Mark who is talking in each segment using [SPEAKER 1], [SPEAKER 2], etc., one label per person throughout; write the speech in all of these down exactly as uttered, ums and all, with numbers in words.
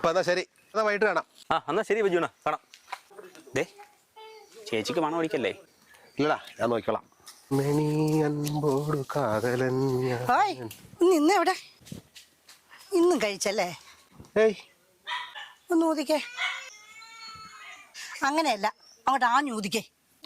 [SPEAKER 1] അപ്പൊ എന്നാ ശരി, എന്നാ വൈകിട്ട് കാണാം.
[SPEAKER 2] ആ എന്നാ ശരി ബിജുണ, കാണാം. ദേ ചേച്ചിക്ക് മണം ഓടിക്കല്ലേ?
[SPEAKER 1] ഇല്ലടാ, ഞാൻ നോക്കിക്കോളാം.
[SPEAKER 3] ഇന്ന് എവിടെ ഇന്നും കഴിച്ചല്ലേ?
[SPEAKER 1] ഏയ്
[SPEAKER 3] ഒന്ന് ഊതിക്കേ. അങ്ങനെയല്ല, അങ്ങോട്ട് ആഞ്ഞു ഊതിക്കേ.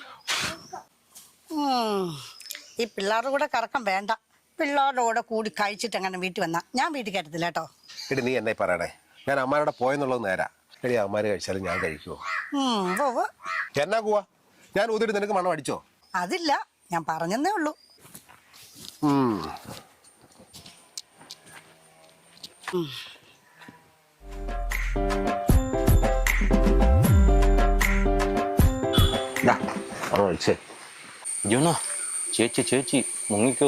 [SPEAKER 3] ഈ പിള്ളേരുടെ കൂടെ കറക്കം വേണ്ട. പിള്ളേരുടെ കൂടെ കൂടി കഴിച്ചിട്ട് അങ്ങനെ വീട്ടിൽ വന്നാ ഞാൻ വീട്ടിൽ കയറ്റത്തില്ല കേട്ടോ.
[SPEAKER 1] എടി നീ എന്നെ പറയണേ, ഞാൻ അമ്മാരോടെ പോയെന്നുള്ളത് നേരാ. എടി അമ്മാര് കഴിച്ചാലും ഞാൻ കഴിക്കുവോ? എന്നാ പോവാ? ഞാൻ ഊതിട്ട് നിനക്ക് മണം അടിച്ചോ?
[SPEAKER 3] അതില്ല, ഞാൻ പറഞ്ഞെന്നേ ഉള്ളൂ.
[SPEAKER 2] ബിജുണ ചേച്ചി ചേച്ചി മുങ്ങിക്കോ.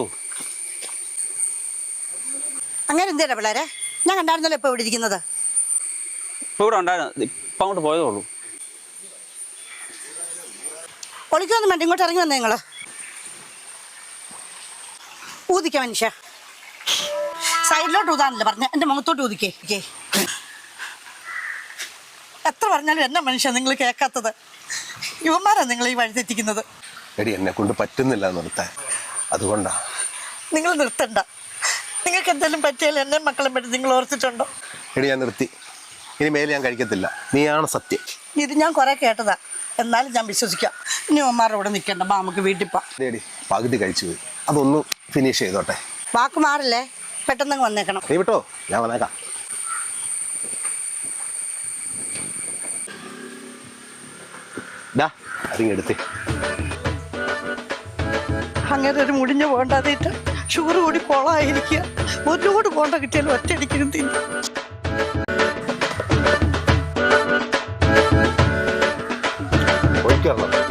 [SPEAKER 3] അങ്ങനെ എന്തേടാ പിള്ളേരെ? ഞാൻ കണ്ടായിരുന്നല്ലോ ഇപ്പൊ ഇവിടെ ഇരിക്കുന്നത്.
[SPEAKER 2] ഇപ്പൊ ഇവിടെ ഉണ്ടായിരുന്നു, ഇപ്പൊ അങ്ങോട്ട് പോയതേ ഉള്ളൂ.
[SPEAKER 3] ഒളിക്കൊന്നും വേണ്ട, ഇങ്ങോട്ട് ഇറങ്ങി വന്നേ നിങ്ങള്. ഊതിക്ക മനുഷ്യ, സൈഡിലോട്ട് ഊതാനല്ലേ പറഞ്ഞ, എന്റെ മുഖത്തോട്ട് ഊതിക്കേ. എത്ര പറഞ്ഞാലും എന്നാ മനുഷ്യ നിങ്ങൾ കേൾക്കാത്തത്? യുവന്മാരാ നിങ്ങൾ ഈ വഴി തെറ്റിക്കുന്നത്.
[SPEAKER 1] എടി എന്നെ കൊണ്ട് പറ്റുന്നില്ല നിർത്താൻ, അതുകൊണ്ടാ.
[SPEAKER 3] നിങ്ങൾ നിർത്തണ്ട. നിങ്ങൾക്ക് എന്തെങ്കിലും പറ്റിയാലും എന്നെ മക്കളെ പറ്റി നിങ്ങൾ ഓർത്തിട്ടുണ്ടോ?
[SPEAKER 1] എടി ഞാൻ നിർത്തി, ഇനി മേലെ ഞാൻ കഴിക്കത്തില്ല. നീയാണ് സത്യം.
[SPEAKER 3] ഇത് ഞാൻ കുറെ കേട്ടതാ, എന്നാലും ഞാൻ വിശ്വസിക്കാം. ഇനി യുവന്മാരുടെ കൂടെ നിൽക്കണ്ട, ബാ നമുക്ക് വീട്ടിൽ പോവാം.
[SPEAKER 1] എടി പകുതി കഴിച്ചു പോയി, അതൊന്ന് ഫിനിഷ് ചെയ്തോട്ടെ.
[SPEAKER 3] വാക്ക് മാറില്ലേ, പെട്ടെന്ന് വന്നേക്കണം.
[SPEAKER 1] നീ വിട്ടോ, ഞാൻ വന്നേക്കാം. അതിങ്ങെടുത്ത്
[SPEAKER 3] അങ്ങനെ ഒരു മുടിഞ്ഞ പോണ്ടാതിട്ട് ഷുഗർ കൂടി കൊളായിരിക്കുക. ഒരുപാട് പോണ്ട കിട്ടിയാലും ഒറ്റയടിക്കും തിന്നു.
[SPEAKER 1] ഒഴിക്കാറുള്ളൂ.